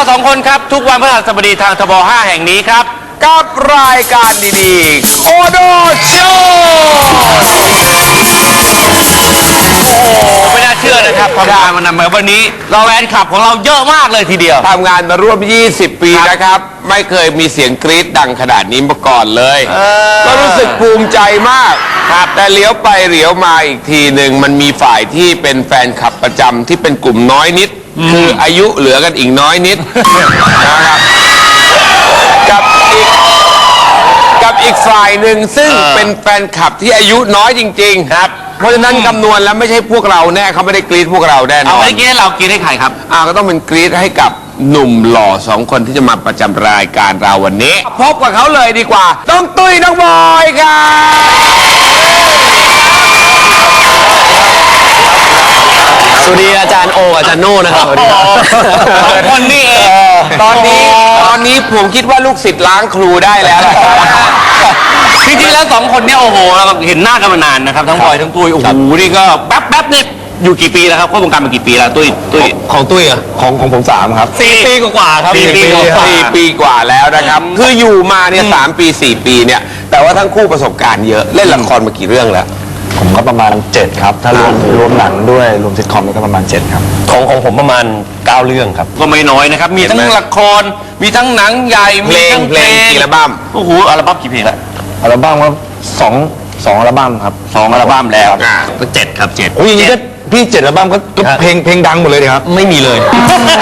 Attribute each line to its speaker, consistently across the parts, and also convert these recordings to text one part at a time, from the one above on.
Speaker 1: 2 คนครับทุกวันพฤหัสบดีทางทบ5แห่งนี้ครับกับรายการดีๆโอโดโชไม่น่าเชื่อนะครับทำงานมานำมาวันนี้เราแฟนคลับของเราเยอะมากเลยทีเดียว
Speaker 2: ทำงานมาร่วม20 ปีนะครับไม่เคยมีเสียงกรี๊ดดังขนาดนี้มาก่อนเลยก็รู้สึกภูมิใจมากครับแต่เลี้ยวไปเลี้ยวมาอีกทีหนึ่งมันมีฝ่ายที่เป็นแฟนคลับประจำที่เป็นกลุ่มน้อยนิดคืออายุเหลือกันอีกน้อยนิดนะครับกับอีกฝ่ายหนึ่งซึ่งเป็นแฟนคลับที่อายุน้อยจริงๆครับเพราะฉะนั้นคำนวณแล้วไม่ใช่พวกเราแน่เขาไม่ได้กรี๊ดพวกเราแน่นอน
Speaker 1: เอาไม่กรี๊ดให้เรากรี๊ดให้ใครครับ
Speaker 2: ก็ต้องเป็นกรี๊ดให้กับหนุ่มหล่อ2 คนที่จะมาประจำรายการเราวันนี้พบกับเขาเลยดีกว่าน้องตุ้ยน้องบอยครับ
Speaker 3: สวัสดีอาจารย์โออาจารย์โน่นะครับ
Speaker 1: 2 คนนี่เอง
Speaker 2: ตอนนี้ผมคิดว่าลูกศิษย์ล้างครูได้แล้ว
Speaker 1: จริงๆแล้ว2 คนเนี่ยโอ้โหเราเห็นหน้ากันมานานนะครับทั้งบอยทั้งตุ้ยโอ้โหนี่ก็แป๊บเนี่ยอยู่กี่ปีแล้วครับเข้าวงการมากี่ปีแล้วตุ้ย
Speaker 3: ของตุ้ยอ่ะของผม3 ครับ
Speaker 1: 4 ปีกว่าครับ
Speaker 2: 4 ปีกว่าแล้วนะครับคืออยู่มาเนี่ย3 ปี 4 ปีเนี่ยแต่ว่าทั้งคู่ประสบการณ์เยอะเล่นละครมากี่เรื่องแล้ว
Speaker 3: ผมก็ประมาณ7ครับถ้ารวมหนังด้วยรวมซิทคอมก็ประมาณ7ครับของผมประมาณ9 เรื่องครับ
Speaker 1: ก็ไม่น้อยนะครับมีทั้งละครมีทั้งหนังใหญ่มีทั้งเพลง
Speaker 2: อัลบั้ม
Speaker 1: โอ้โหอัลบั้มกี่เพลงละ
Speaker 3: อัลบั้มก็2อัลบั้มครับ
Speaker 1: 2 อัลบั้มแล้วก็7ครับ7
Speaker 3: โอ้ยอย่างนี้ก็พี่7 อัลบั้มก็เพลงดังหมดเลยครับ
Speaker 1: ไม่มีเลย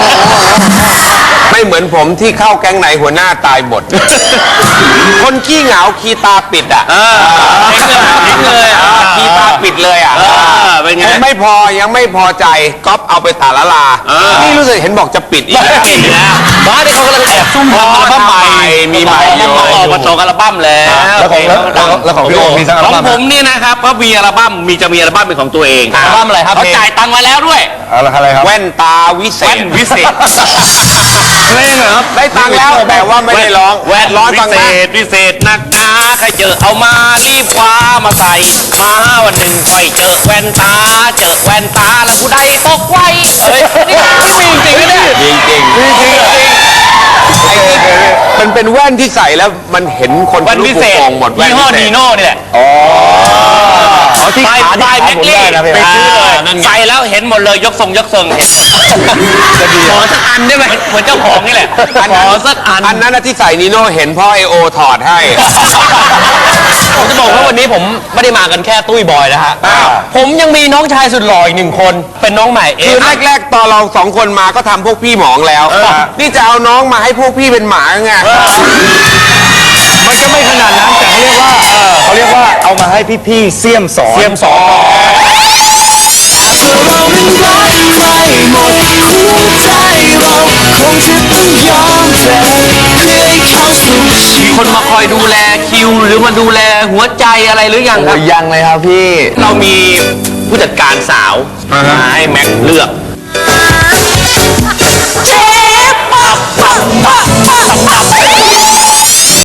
Speaker 2: ไม่เหมือนผมที่เข้าแก๊งไหนหัวหน้าตายหมดคนขี้เหงาขี้ตาปิด
Speaker 1: ทิ้งเลย
Speaker 2: ขี้ตาปิดเลย
Speaker 1: เป็นไง
Speaker 2: ไม่พอยังไม่พอใจก๊อปเอาไปตาละลานี่รู้สึกเห็นบอกจะปิดอีกแล้ว
Speaker 1: บ้านที่เขากำลังแอบซุ่มทำอัลบั้มใหม่
Speaker 2: มีใหม่อยู่
Speaker 1: ออกมา2 อัลบั้ม
Speaker 3: แล้วของพี่โอมีสักอัลบั้ม
Speaker 1: ของผมนี่นะครับก็มีอัลบั้มจะมีอัลบั้มเป็นของตัวเอง
Speaker 3: อัลบั้มอะไรครับ
Speaker 1: เขาจ่ายตังค์มาแล้วด้วย
Speaker 3: อะไรครับ
Speaker 2: แว่นตาวิเศษ
Speaker 1: เพลงเหรอครับ
Speaker 2: ได้ตังค์แล้วแต่ว่าไม่ได้ร้อง
Speaker 1: แว่นวิเศษนักหนาใครเจอเอามารีบคว้ามาใส่มาวันหนึ่งค่อยเจอแว่นตาแล้วผู้ใดตกไว้นี่มีจริงๆเนี่ย
Speaker 2: จริงมันเป็นแว่นที่ใส่แล้วมันเห็นคน
Speaker 1: แว่นพิเศษ
Speaker 2: หมดแว่น
Speaker 1: ยี่ห้อนีโน่นี่แหละ
Speaker 3: ที่ขา
Speaker 1: ได้เม็กลี่ไปซื้อเลยใส่แล้วเห็นหมดเลยยกทรงเห็นขอสักอันได้ไหมเหมือนเจ้าของนี่แหละขอสักอัน
Speaker 2: นั้นที่ใส่นีโน่เห็นพ่อไอโอถอดให้
Speaker 3: ผมจะบอกว่าวันนี้ผมไม่ได้มากันแค่ตุ้ยบอยนะฮะผมยังมีน้องชายสุดหล่ออีก1 คนเป็นน้องใหม่
Speaker 2: คือแรกๆตอนเรา2 คนมาก็ทำพวกพี่หมองแล้วนี่จะเอาน้องมาให้พวกพี่เป็นหมาไง
Speaker 3: มันก็ไม่ขนาดนั้นแต่เขาเรียกว่าเอามาให้พี่ๆเสี่ยมสอน
Speaker 1: มีคนมาคอยดูแลคิวหรือมาดูแลหัวใจอะไรหรือยังครับ
Speaker 3: ยังเลยครับพี่
Speaker 1: เรามีผู้จัดการสาวมาให้แม็กเลือกเชฟ